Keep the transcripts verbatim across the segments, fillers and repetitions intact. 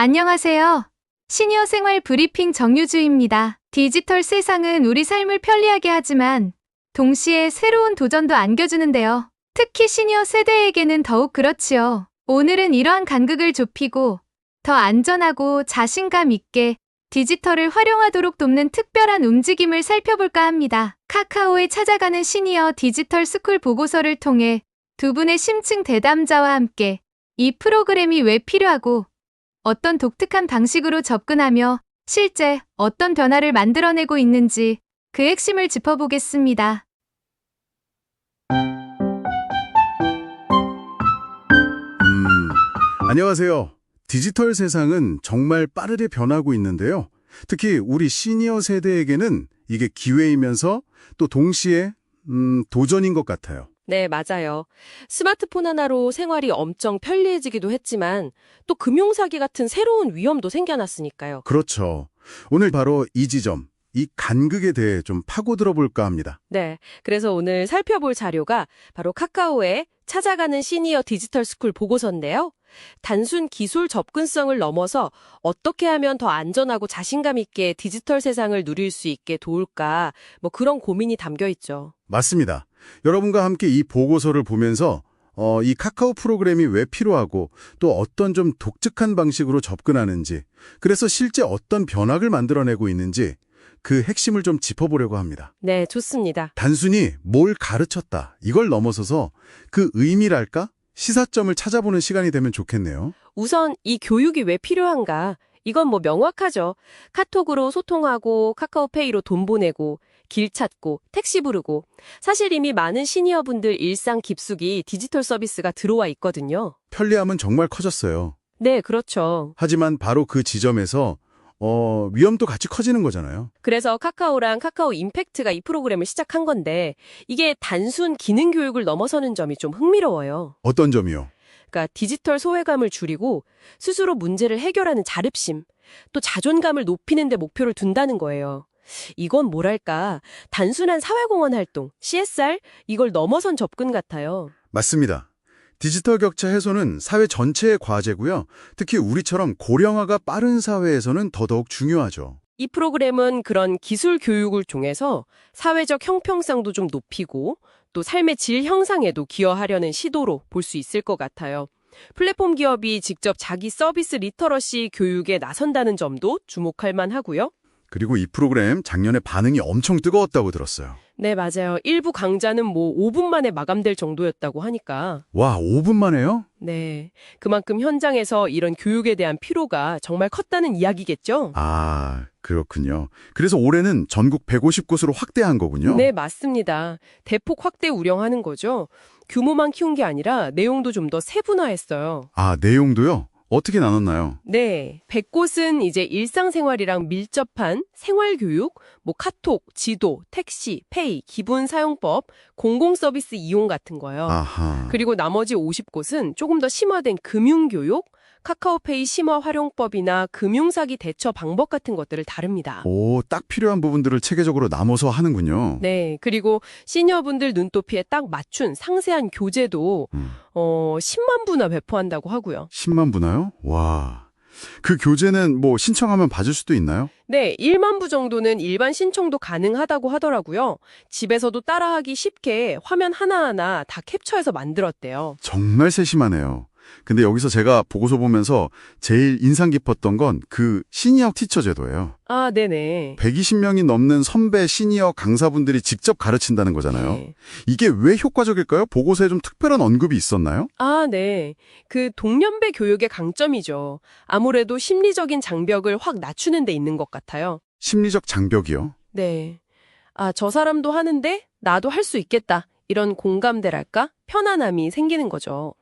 안녕하세요. 시니어 생활 브리핑 정유주입니다. 디지털 세상은 우리 삶을 편리하게 하지만 동시에 새로운 도전도 안겨주는데요. 특히 시니어 세대에게는 더욱 그렇지요. 오늘은 이러한 간극을 좁히고 더 안전하고 자신감 있게 디지털을 활용하도록 돕는 특별한 움직임을 살펴볼까 합니다. 카카오에 찾아가는 시니어 디지털 스쿨 보고서를 통해 두 분의 심층 대담자와 함께 이 프로그램이 왜 필요하고 어떤 독특한 방식으로 접근하며 실제 어떤 변화를 만들어내고 있는지 그 핵심을 짚어보겠습니다. 음, 안녕하세요. 디지털 세상은 정말 빠르게 변하고 있는데요. 특히 우리 시니어 세대에게는 이게 기회이면서 또 동시에 음, 도전인 것 같아요. 네, 맞아요. 스마트폰 하나로 생활이 엄청 편리해지기도 했지만 또 금융사기 같은 새로운 위험도 생겨났으니까요. 그렇죠. 오늘 바로 이 지점, 이 간극에 대해 좀 파고들어 볼까 합니다. 네, 그래서 오늘 살펴볼 자료가 바로 카카오의 찾아가는 시니어 디지털 스쿨 보고서인데요. 단순 기술 접근성을 넘어서 어떻게 하면 더 안전하고 자신감 있게 디지털 세상을 누릴 수 있게 도울까, 뭐 그런 고민이 담겨 있죠. 맞습니다. 여러분과 함께 이 보고서를 보면서 어, 이 카카오 프로그램이 왜 필요하고 또 어떤 좀 독특한 방식으로 접근하는지, 그래서 실제 어떤 변화를 만들어내고 있는지 그 핵심을 좀 짚어보려고 합니다. 네, 좋습니다. 단순히 뭘 가르쳤다, 이걸 넘어서서 그 의미랄까? 시사점을 찾아보는 시간이 되면 좋겠네요. 우선 이 교육이 왜 필요한가? 이건 뭐 명확하죠. 카톡으로 소통하고 카카오페이로 돈 보내고 길 찾고 택시 부르고 사실 이미 많은 시니어분들 일상 깊숙이 디지털 서비스가 들어와 있거든요. 편리함은 정말 커졌어요. 네, 그렇죠. 하지만 바로 그 지점에서 어, 위험도 같이 커지는 거잖아요. 그래서 카카오랑 카카오 임팩트가 이 프로그램을 시작한 건데 이게 단순 기능 교육을 넘어서는 점이 좀 흥미로워요. 어떤 점이요? 그러니까 디지털 소외감을 줄이고 스스로 문제를 해결하는 자립심, 또 자존감을 높이는 데 목표를 둔다는 거예요. 이건 뭐랄까, 단순한 사회공헌 활동, 씨에스알, 이걸 넘어선 접근 같아요. 맞습니다. 디지털 격차 해소는 사회 전체의 과제고요. 특히 우리처럼 고령화가 빠른 사회에서는 더더욱 중요하죠. 이 프로그램은 그런 기술 교육을 통해서 사회적 형평성도 좀 높이고 또 삶의 질 형상에도 기여하려는 시도로 볼 수 있을 것 같아요. 플랫폼 기업이 직접 자기 서비스 리터러시 교육에 나선다는 점도 주목할 만하고요. 그리고 이 프로그램 작년에 반응이 엄청 뜨거웠다고 들었어요. 네, 맞아요. 일부 강좌는 뭐 오 분 만에 마감될 정도였다고 하니까. 와, 오 분 만에요? 네, 그만큼 현장에서 이런 교육에 대한 피로가 정말 컸다는 이야기겠죠? 아, 그렇군요. 그래서 올해는 전국 백오십 곳으로 확대한 거군요. 네, 맞습니다. 대폭 확대 우려하는 거죠. 규모만 키운 게 아니라 내용도 좀 더 세분화했어요. 아, 내용도요? 어떻게 나눴나요? 네, 백 곳은 이제 일상생활이랑 밀접한 생활교육, 뭐 카톡, 지도, 택시, 페이, 기본 사용법, 공공서비스 이용 같은 거요. 아하. 그리고 나머지 오십 곳은 조금 더 심화된 금융교육, 카카오페이 심화 활용법이나 금융사기 대처 방법 같은 것들을 다룹니다. 오, 딱 필요한 부분들을 체계적으로 나눠서 하는군요. 네, 그리고 시니어분들 눈높이에 딱 맞춘 상세한 교재도 음. 어, 십만 부나 배포한다고 하고요. 십만 부나요? 와. 그 교재는 뭐 신청하면 받을 수도 있나요? 네, 일만 부 정도는 일반 신청도 가능하다고 하더라고요. 집에서도 따라하기 쉽게 화면 하나하나 다 캡처해서 만들었대요. 정말 세심하네요. 근데 여기서 제가 보고서 보면서 제일 인상 깊었던 건 그 시니어 티처 제도예요. 아, 네네. 백이십 명이 넘는 선배 시니어 강사분들이 직접 가르친다는 거잖아요. 네. 이게 왜 효과적일까요? 보고서에 좀 특별한 언급이 있었나요? 아, 네. 그 동년배 교육의 강점이죠. 아무래도 심리적인 장벽을 확 낮추는 데 있는 것 같아요. 심리적 장벽이요. 네. 아, 저 사람도 하는데 나도 할 수 있겠다. 이런 공감대랄까? 편안함이 생기는 거죠.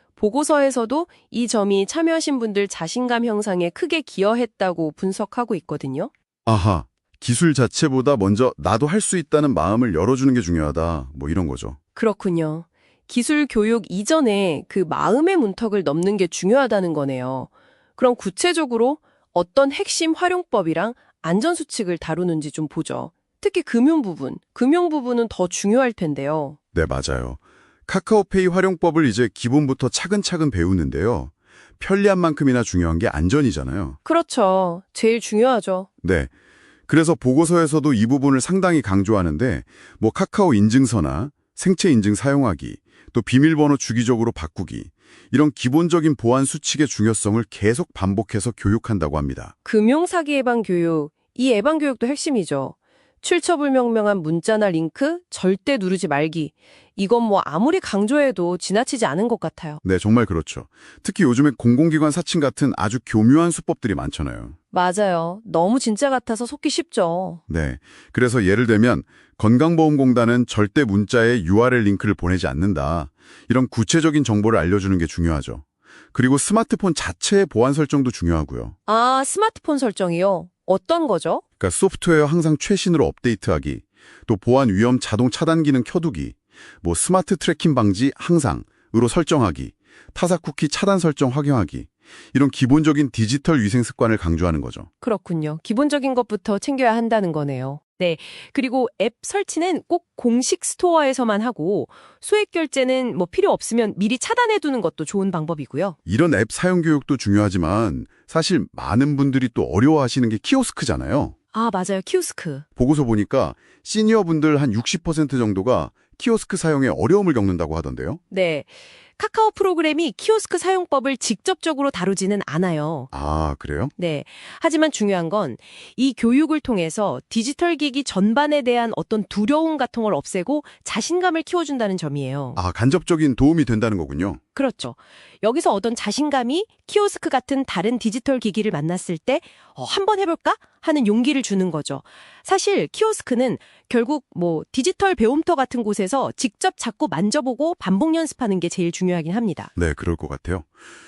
보고서에서도 이 점이 참여하신 분들 자신감 형상에 크게 기여했다고 분석하고 있거든요. 아하, 기술 자체보다 먼저 나도 할 수 있다는 마음을 열어주는 게 중요하다. 뭐 이런 거죠. 그렇군요. 기술 교육 이전에 그 마음의 문턱을 넘는 게 중요하다는 거네요. 그럼 구체적으로 어떤 핵심 활용법이랑 안전수칙을 다루는지 좀 보죠. 특히 금융 부분, 금융 부분은 더 중요할 텐데요. 네, 맞아요. 카카오페이 활용법을 이제 기본부터 차근차근 배우는데요. 편리함만큼이나 중요한 게 안전이잖아요. 그렇죠. 제일 중요하죠. 네. 그래서 보고서에서도 이 부분을 상당히 강조하는데 뭐 카카오 인증서나 생체 인증 사용하기, 또 비밀번호 주기적으로 바꾸기, 이런 기본적인 보안 수칙의 중요성을 계속 반복해서 교육한다고 합니다. 금융사기 예방 교육, 이 예방 교육도 핵심이죠. 출처불명명한 문자나 링크 절대 누르지 말기. 이건 뭐 아무리 강조해도 지나치지 않은 것 같아요. 네, 정말 그렇죠. 특히 요즘에 공공기관 사칭 같은 아주 교묘한 수법들이 많잖아요. 맞아요. 너무 진짜 같아서 속기 쉽죠. 네. 그래서 예를 들면 건강보험공단은 절대 문자에 유알엘 링크를 보내지 않는다. 이런 구체적인 정보를 알려주는 게 중요하죠. 그리고 스마트폰 자체의 보안 설정도 중요하고요. 아, 스마트폰 설정이요? 어떤 거죠? 그러니까 소프트웨어 항상 최신으로 업데이트하기, 또 보안 위험 자동 차단 기능 켜두기, 뭐 스마트 트래킹 방지 항상으로 설정하기, 타사 쿠키 차단 설정 확인하기, 이런 기본적인 디지털 위생 습관을 강조하는 거죠. 그렇군요. 기본적인 것부터 챙겨야 한다는 거네요. 네. 그리고 앱 설치는 꼭 공식 스토어에서만 하고 소액 결제는 뭐 필요 없으면 미리 차단해 두는 것도 좋은 방법이고요. 이런 앱 사용 교육도 중요하지만 사실 많은 분들이 또 어려워하시는 게 키오스크잖아요. 아, 맞아요. 키오스크. 보고서 보니까 시니어분들 한 육십 퍼센트 정도가 키오스크 사용에 어려움을 겪는다고 하던데요. 네. 카카오 프로그램이 키오스크 사용법을 직접적으로 다루지는 않아요. 아, 그래요? 네. 하지만 중요한 건 이 교육을 통해서 디지털 기기 전반에 대한 어떤 두려움 같은 걸 없애고 자신감을 키워준다는 점이에요. 아, 간접적인 도움이 된다는 거군요. 그렇죠. 여기서 얻은 자신감이 키오스크 같은 다른 디지털 기기를 만났을 때 어, 한번 해볼까? 하는 용기를 주는 거죠. 사실 키오스크는 결국 뭐 디지털 배움터 같은 곳에서 직접 잡고 만져보고 반복 연습하는 게 제일 중요하긴 합니다. 네, 그럴 것 같아요.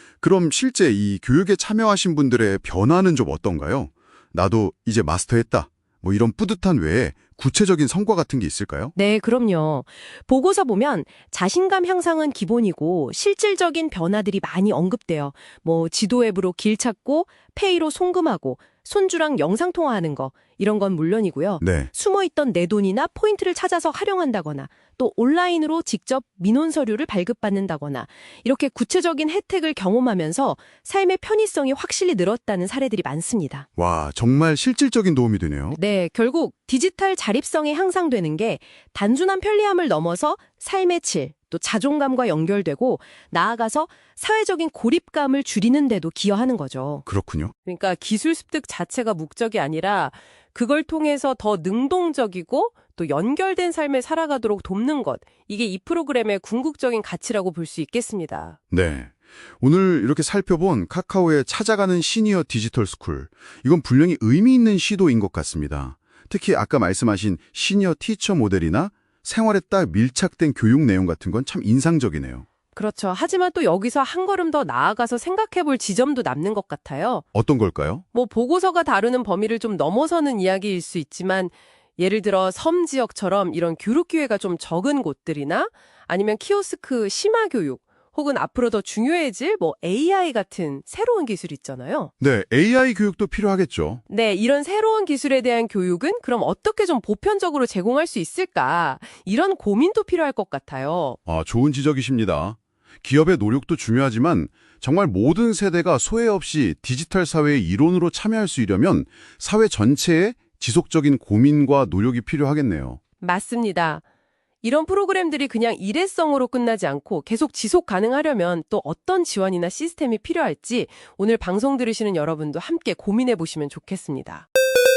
그럼 실제 이 교육에 참여하신 분들의 변화는 좀 어떤가요? 나도 이제 마스터했다. 뭐 이런 뿌듯한 외에 구체적인 성과 같은 게 있을까요? 네, 그럼요. 보고서 보면 자신감 향상은 기본이고 실질적인 변화들이 많이 언급돼요. 뭐 지도 앱으로 길 찾고 페이로 송금하고 손주랑 영상 통화하는 거 이런 건 물론이고요. 네. 숨어있던 내 돈이나 포인트를 찾아서 활용한다거나 또 온라인으로 직접 민원 서류를 발급받는다거나 이렇게 구체적인 혜택을 경험하면서 삶의 편의성이 확실히 늘었다는 사례들이 많습니다. 와, 정말 실질적인 도움이 되네요. 네, 결국 디지털 자립성이 향상되는 게 단순한 편리함을 넘어서 삶의 질, 또 자존감과 연결되고 나아가서 사회적인 고립감을 줄이는 데도 기여하는 거죠. 그렇군요. 그러니까 기술 습득 자체가 목적이 아니라 그걸 통해서 더 능동적이고 또 연결된 삶을 살아가도록 돕는 것. 이게 이 프로그램의 궁극적인 가치라고 볼 수 있겠습니다. 네. 오늘 이렇게 살펴본 카카오의 찾아가는 시니어 디지털 스쿨. 이건 분명히 의미 있는 시도인 것 같습니다. 특히 아까 말씀하신 시니어 티처 모델이나 생활에 딱 밀착된 교육 내용 같은 건 참 인상적이네요. 그렇죠. 하지만 또 여기서 한 걸음 더 나아가서 생각해 볼 지점도 남는 것 같아요. 어떤 걸까요? 뭐 보고서가 다루는 범위를 좀 넘어서는 이야기일 수 있지만 예를 들어 섬 지역처럼 이런 교육 기회가 좀 적은 곳들이나 아니면 키오스크 심화 교육 혹은 앞으로 더 중요해질 뭐 에이아이 같은 새로운 기술 있잖아요. 네, 에이아이 교육도 필요하겠죠. 네, 이런 새로운 기술에 대한 교육은 그럼 어떻게 좀 보편적으로 제공할 수 있을까? 이런 고민도 필요할 것 같아요. 아, 좋은 지적이십니다. 기업의 노력도 중요하지만 정말 모든 세대가 소외 없이 디지털 사회의 일원으로 참여할 수 있려면 사회 전체에 지속적인 고민과 노력이 필요하겠네요. 맞습니다. 이런 프로그램들이 그냥 일회성으로 끝나지 않고 계속 지속 가능하려면 또 어떤 지원이나 시스템이 필요할지 오늘 방송 들으시는 여러분도 함께 고민해 보시면 좋겠습니다.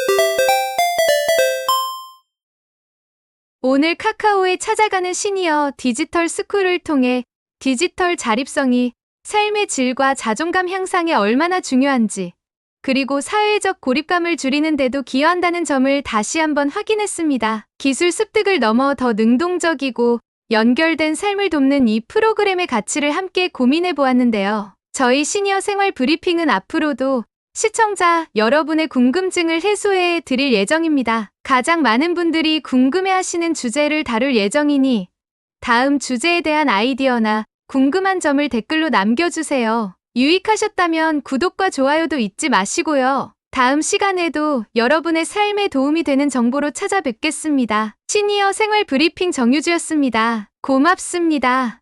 오늘 카카오에 찾아가는 시니어 디지털 스쿨을 통해 디지털 자립성이 삶의 질과 자존감 향상에 얼마나 중요한지, 그리고 사회적 고립감을 줄이는 데도 기여한다는 점을 다시 한번 확인했습니다. 기술 습득을 넘어 더 능동적이고 연결된 삶을 돕는 이 프로그램의 가치를 함께 고민해 보았는데요. 저희 시니어 생활 브리핑은 앞으로도 시청자 여러분의 궁금증을 해소해 드릴 예정입니다. 가장 많은 분들이 궁금해하시는 주제를 다룰 예정이니 다음 주제에 대한 아이디어나 궁금한 점을 댓글로 남겨주세요. 유익하셨다면 구독과 좋아요도 잊지 마시고요. 다음 시간에도 여러분의 삶에 도움이 되는 정보로 찾아뵙겠습니다. 시니어 생활 브리핑 정유주였습니다. 고맙습니다.